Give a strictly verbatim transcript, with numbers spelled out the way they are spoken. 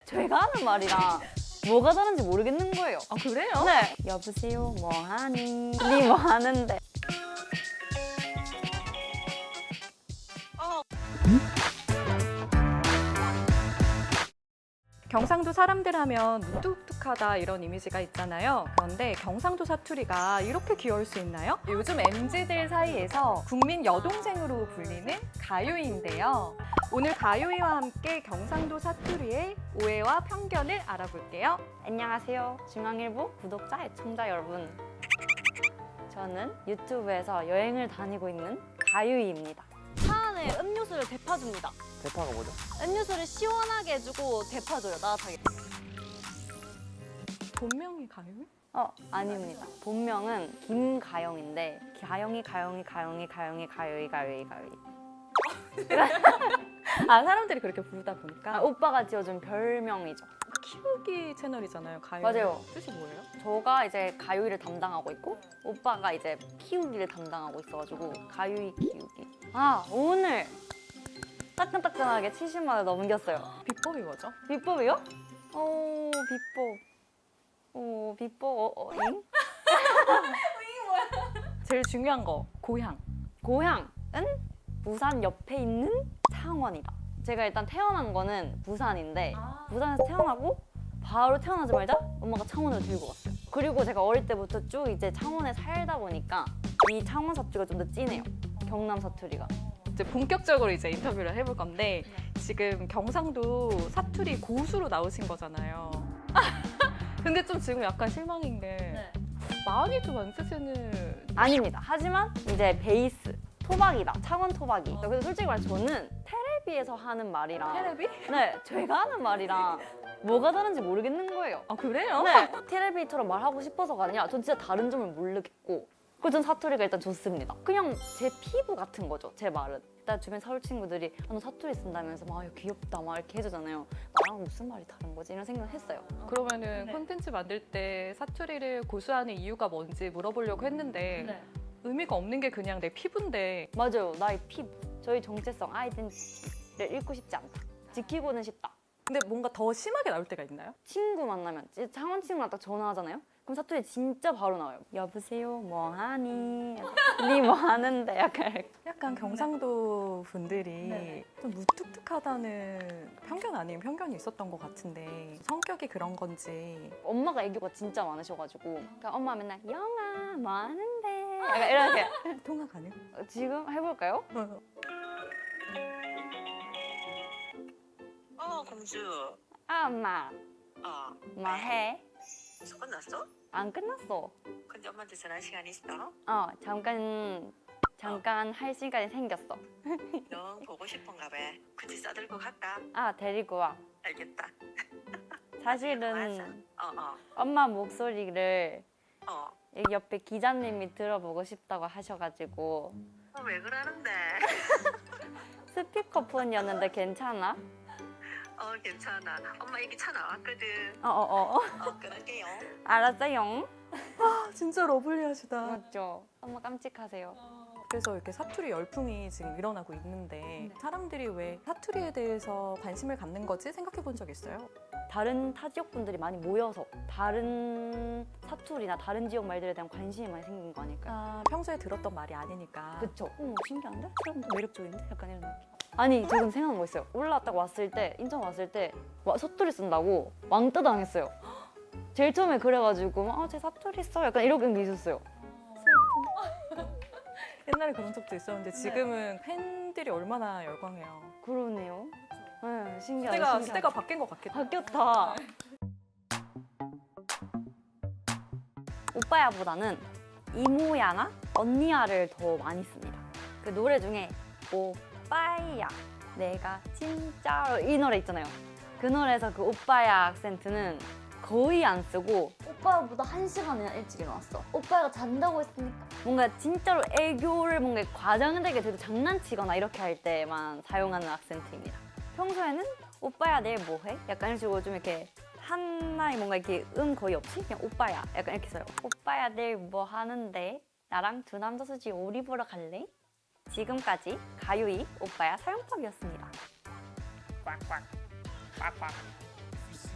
제가 하는 말이랑 뭐가 다른지 모르겠는 거예요. 아 그래요? 네. 여보세요, 뭐 하니? 니 뭐 하는데? 경상도 사람들 하면 무뚝뚝하다 이런 이미지가 있잖아요. 그런데 경상도 사투리가 이렇게 귀여울 수 있나요? 요즘 엠지들 사이에서 국민 여동생으로 불리는 가요이인데요. 오늘 가요이와 함께 경상도 사투리의 오해와 편견을 알아볼게요. 안녕하세요, 중앙일보 구독자, 애청자 여러분. 저는 유튜브에서 여행을 다니고 있는 가유이입니다. 차 안에 음료수를 데펴줍니다. 대파가 뭐죠? 음료수를 시원하게 해주고 데펴줘요, 따뜻하게. 본명이 가요이? 어, 아닙니다. 본명은 김가영인데 가영이, 가영이, 가영이, 가영이, 가요이, 가요이, 가요이. 아 사람들이 그렇게 부르다 보니까 아, 오빠가 지어준 별명이죠. 키우기 채널이잖아요. 가요이. 맞아요. 뜻이 뭐예요? 저가 이제 가요이를 담당하고 있고 오빠가 이제 키우기를 담당하고 있어가지고 가요이 키우기. 아, 오늘 따끈따끈하게 칠십만 원 넘겼어요. 비법이 뭐죠? 비법이요? 오, 비법. 오, 비법. 어, 어, 잉? 제일 중요한 거 고향. 고향은 부산 옆에 있는 창원이다. 제가 일단 태어난 거는 부산인데 부산에서 태어나고 바로 태어나자마자 엄마가 창원으로 데리고 갔어요. 그리고 제가 어릴 때부터 쭉 이제 창원에 살다 보니까 이 창원 사투리가 좀 더 진해요. 경남 사투리가. 이제 본격적으로 이제 인터뷰를 해볼 건데 지금 경상도 사투리 고수로 나오신 거잖아요. 근데 좀 지금 약간 실망인 게 많이 좀 안 쓰시는. 아닙니다. 하지만 이제 베이스 토박이다. 창원 토박이. 그래서 솔직히 말해 저는 테레비에서 하는 말이랑 테레비? 네, 제가 하는 말이랑 뭐가 다른지 모르겠는 거예요. 아 그래요? 네, 테레비처럼 말하고 싶어서가 아니라 전 진짜 다른 점을 모르겠고 그래서 전 사투리가 일단 좋습니다. 그냥 제 피부 같은 거죠, 제 말은. 일단 주변 서울 친구들이 아, 너 사투리 쓴다면서 막 아, 귀엽다 막 이렇게 해주잖아요. 나랑 무슨 말이 다른 거지? 이런 생각을 했어요. 그러면은 네. 콘텐츠 만들 때 사투리를 고수하는 이유가 뭔지 물어보려고 했는데 네. 의미가 없는 게 그냥 내 피부인데. 맞아요, 나의 피부. 저희 정체성, 아이덴티티를 잃고 싶지 않다. 지키고는 싶다. 근데 뭔가 더 심하게 나올 때가 있나요? 친구 만나면 이제 창원 친구랑 딱 전화하잖아요? 그럼 사투리 진짜 바로 나와요. 여보세요, 뭐 하니? 니 뭐 하는데? 약간 이렇게. 약간 경상도 분들이 네. 좀 무뚝뚝하다는 편견 아닌 편견이 있었던 것 같은데 성격이 그런 건지. 엄마가 애교가 진짜 많으셔가지고 그러니까 엄마 맨날 영아 뭐 하는데? 약간 이렇게. 통화 가능? 지금 해볼까요? 어, 공주. 아, 엄마 어, 뭐 해? 벌써 끝났어? 안 끝났어. 근데 엄마한테 전화 시간 있어? 어, 잠깐 잠깐 할 시간이 생겼어. 영 보고 싶은가 봐. 굳이 싸들고 갈까? 아, 데리고 와. 알겠다. 사실은 어, 어, 엄마 목소리를 어. 여기 옆에 기자님이 들어보고 싶다고 하셔가지고 어, 왜 그러는데? 스피커폰이었는데 괜찮아? 어, 괜찮아. 엄마 여기 차 나왔거든. 어어어. 어, 끊을게요. 알았어요. 아 진짜 러블리하시다. 맞죠? 엄마 깜찍하세요. 그래서 이렇게 사투리 열풍이 지금 일어나고 있는데 사람들이 왜 사투리에 대해서 관심을 갖는 거지 생각해 본 적 있어요? 다른 타 지역 분들이 많이 모여서 다른 사투리나 다른 지역 말들에 대한 관심이 많이 생긴 거 아닐까요? 아, 평소에 들었던 말이 아니니까. 그쵸? 어, 신기한데? 사람도 매력적인데? 약간 이런 느낌. 아니, 저 지금 생각난 거 있어요. 올라왔다가 왔을 때, 인천 왔을 때 와, 사투리 쓴다고 왕따 당했어요. 제일 처음에 그래가지고 아, 제 사투리 써? 약간 이런 게 있었어요. 옛날에 그런 적도 있었는데 지금은 팬들이 얼마나 열광해요. 그러네요. 네, 신기하다. 시대가, 신기하다. 시대가 바뀐 것 같겠다. 바뀌었다. 오빠야보다는 이모야나 언니야를 더 많이 씁니다. 그 노래 중에 오빠야 내가 진짜로 이 노래 있잖아요. 그 노래에서 그 오빠야 악센트는 거의 안 쓰고 오빠보다 한 시간이나 일찍 일어났어. 오빠가 잔다고 했으니까 뭔가 진짜로 애교를 뭔가 과장되게 되게 장난치거나 이렇게 할 때만 사용하는 악센트입니다. 평소에는 오빠야 내일 뭐해? 약간 이런 식으로 좀 이렇게 하나의 뭔가 이렇게 음 거의 없이 그냥 오빠야 약간 이렇게 써요. 오빠야 내일 뭐 하는데? 나랑 두 남자 수지 오리 보러 갈래? 지금까지 가요이 오빠야 사용법이었습니다. 꽉꽉 꽉꽉